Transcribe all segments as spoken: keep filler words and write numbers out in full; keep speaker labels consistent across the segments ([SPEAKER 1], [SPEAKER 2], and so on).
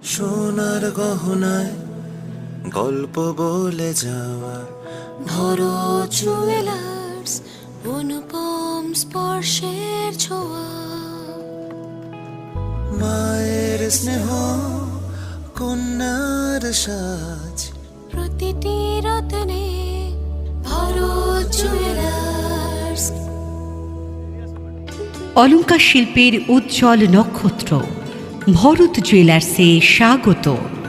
[SPEAKER 1] সোনার গহনায় গল্প বলে যাওয়া
[SPEAKER 2] ভরত জুয়েলার্স, অনুপম স্পর্শের ছোঁয়া।
[SPEAKER 1] মায়ের স্নেহ, কন্যার সাজ,
[SPEAKER 2] প্রতিটি রত্নে ভরত জুয়েলার্স।
[SPEAKER 3] অলংকার শিল্পের উজ্জ্বল নক্ষত্র ভরত জুয়েলার্সে স্বাগত।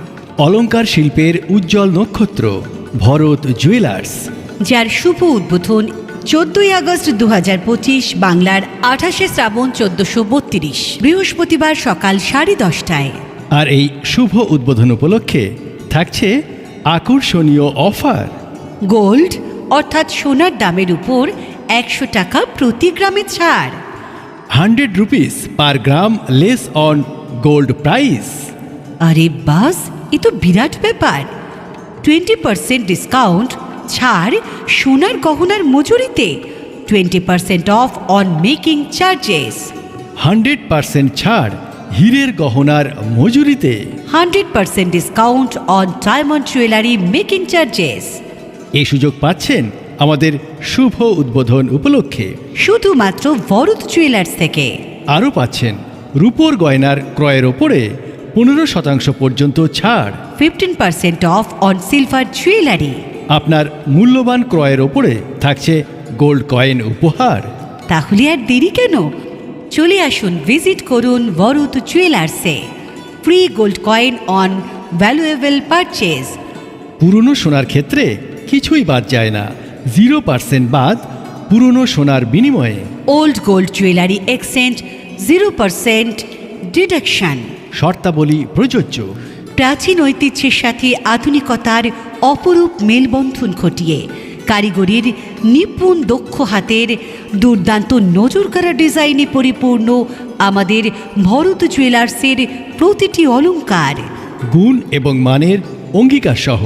[SPEAKER 4] অলংকার শিল্পের উজ্জ্বল নক্ষত্র ভরত জুয়েলার্স,
[SPEAKER 3] যার শুভ উদ্বোধন চোদ্দই আগস্ট দু হাজার পঁচিশ বাংলার আঠাশে শ্রাবণ চোদ্দশো বত্রিশ বৃহস্পতিবার সকাল সাড়ে দশটায়।
[SPEAKER 4] আর এই শুভ উদ্বোধন উপলক্ষে থাকছে আকর্ষণীয় অফার।
[SPEAKER 3] গোল্ড অর্থাৎ সোনার দামের উপর একশো টাকা প্রতি গ্রামে ছাড়।
[SPEAKER 4] Hundred rupees per gram less on gold price.
[SPEAKER 3] আরে বাস, এ তো বিরাট ব্যাপার। টোয়েন্টি পার্সেন্ট ডিসকাউন্ট ছাড় সোনার গহনার মজুরিতে। Twenty percent off on making charges.
[SPEAKER 4] Hundred percent ছাড় হীরের গহনার মজুরিতে।
[SPEAKER 3] Hundred percent discount on diamond jewellery making charges.
[SPEAKER 4] এই সুযোগ পাচ্ছেন আমাদের শুভ উদ্বোধন উপলক্ষে
[SPEAKER 3] শুধুমাত্র ভরত জুয়েলার্স থেকে।
[SPEAKER 4] আরও পাচ্ছেন রূপোর গয়নার ক্রয়ের ওপরে পনেরো শতাংশ পর্যন্ত ছাড়।
[SPEAKER 3] Fifteen percent off on silver jewellery.
[SPEAKER 4] আপনার মূল্যবান ক্রয়ের ওপরে থাকছে গোল্ড কয়েন উপহার।
[SPEAKER 3] তাহলে আর দেরি কেন? চলে আসুন, ভিজিট করুন ভরত জুয়েলার্সে। Free gold coin on valuable purchase.
[SPEAKER 4] পুরনো সোনার ক্ষেত্রে কিছুই বাদ যায় না, জিরো পার্সেন্ট বাদ পুরনো সোনার বিনিময়ে।
[SPEAKER 3] Old gold jewellery exchange zero percent deduction.
[SPEAKER 4] শর্তাবলী প্রযোজ্য।
[SPEAKER 3] প্রাচীন ঐতিহ্যের সাথে আধুনিকতার অপরূপ মেলবন্ধন ঘটিয়ে কারিগরির নিপুণ দক্ষ হাতের দুর্দান্ত নজরকাড়া ডিজাইনে পরিপূর্ণ আমাদের ভরত জুয়েলার্সের প্রতিটি অলংকার
[SPEAKER 4] গুণ এবং মানের অঙ্গীকার সহ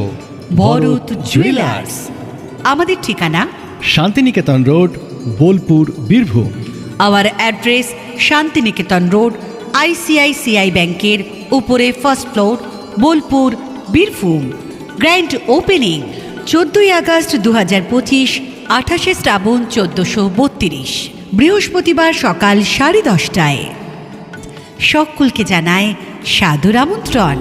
[SPEAKER 3] ভরত জুয়েলার্স। আমাদের ঠিকানা
[SPEAKER 4] Shantiniketan road, Bolpur, Birbhum.
[SPEAKER 3] Our address Shantiniketan road, ICICI ব্যাংকের উপরে, first floor, Bolpur, Birbhum. Grand opening চোদ্দই আগস্ট দু হাজার পঁচিশ, আঠাশে শ্রাবণ চোদ্দশো বত্রিশ বৃহস্পতিবার সকাল সাড়ে দশটায়। সকলকে জানায় সাদর আমন্ত্রণ।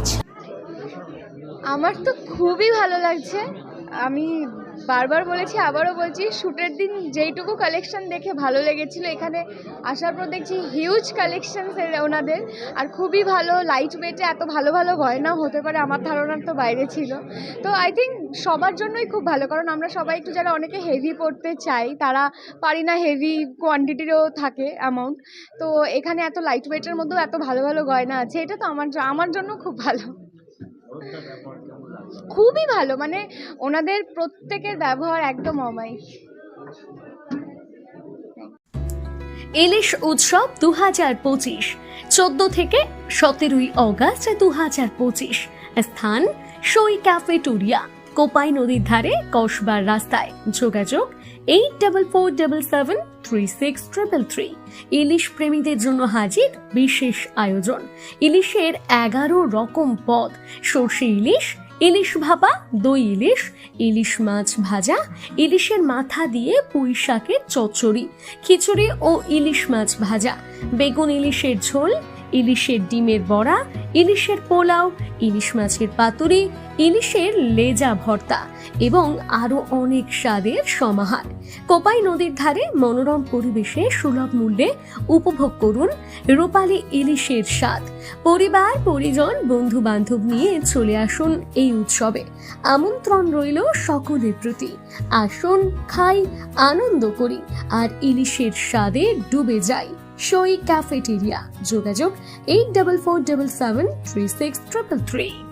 [SPEAKER 5] আমার তো খুবই ভালো লাগছে। আমি বারবার বলেছি, আবারও বলছি, শ্যুটের দিন যেইটুকু কালেকশন দেখে ভালো লেগেছিল, এখানে আসার পর দেখছি হিউজ কালেকশন ওনাদের। আর খুবই ভালো, লাইট ওয়েটে এত ভালো ভালো গয়না হতে পারে আমার ধারণার তো বাইরে ছিল। তো আই থিঙ্ক সবার জন্যই খুব ভালো, কারণ আমরা সবাই একটু যারা অনেকে হেভি পড়তে চাই তারা পারি না, হেভি কোয়ান্টিটিরও থাকে অ্যামাউন্ট। তো এখানে এত লাইট ওয়েটের মধ্যেও এত ভালো ভালো গয়না আছে, এটা তো আমার আমার জন্য খুব ভালো, খুবই ভালো। মানে ওনাদের প্রত্যেকের ব্যবহার একদম অমায়িক।
[SPEAKER 6] ইলিশ উৎসব দু হাজার পঁচিশ চোদ্দ থেকে সতেরোই অগস্ট দু হাজার পঁচিশ। স্থান সই ক্যাফেটেরিয়া, কোপাই নদীর ধারে, কসবার রাস্তায়। যোগাযোগ eight double four double seven three six triple three. ইলিশ প্রেমীদের জন্য হাজির বিশেষ আয়োজন। ইলিশের এগারো রকম পদ: সর্ষে ইলিশ, ইলিশ ভাপা, দই ইলিশ, ইলিশ মাছ ভাজা, ইলিশের মাথা দিয়ে পুঁই শাকের চচ্চড়ি, খিচুড়ি ও ইলিশ মাছ ভাজা, বেগুন ইলিশের ঝোল, ইলিশের ডিমের বড়া, ইলিশের পোলাও, ইলিশ মাছের পাতুরি, ইলিশের লেজা ভর্তা এবং আরো অনেক স্বাদের সমাহার। কোপাই নদীর ধারে মনোরম পরিবেশে সুলভ মূল্যে উপভোগ করুন রূপালী ইলিশের স্বাদ। পরিবার, পরিজন, বন্ধু বান্ধব নিয়ে চলে আসুন এই উৎসবে। আমন্ত্রণ রইল সকলের প্রতি। আসুন, খাই, আনন্দ করি আর ইলিশের স্বাদে ডুবে যাই। সই ক্যাফেটেরিয়া। যোগাযোগ eight double four double seven three six triple three.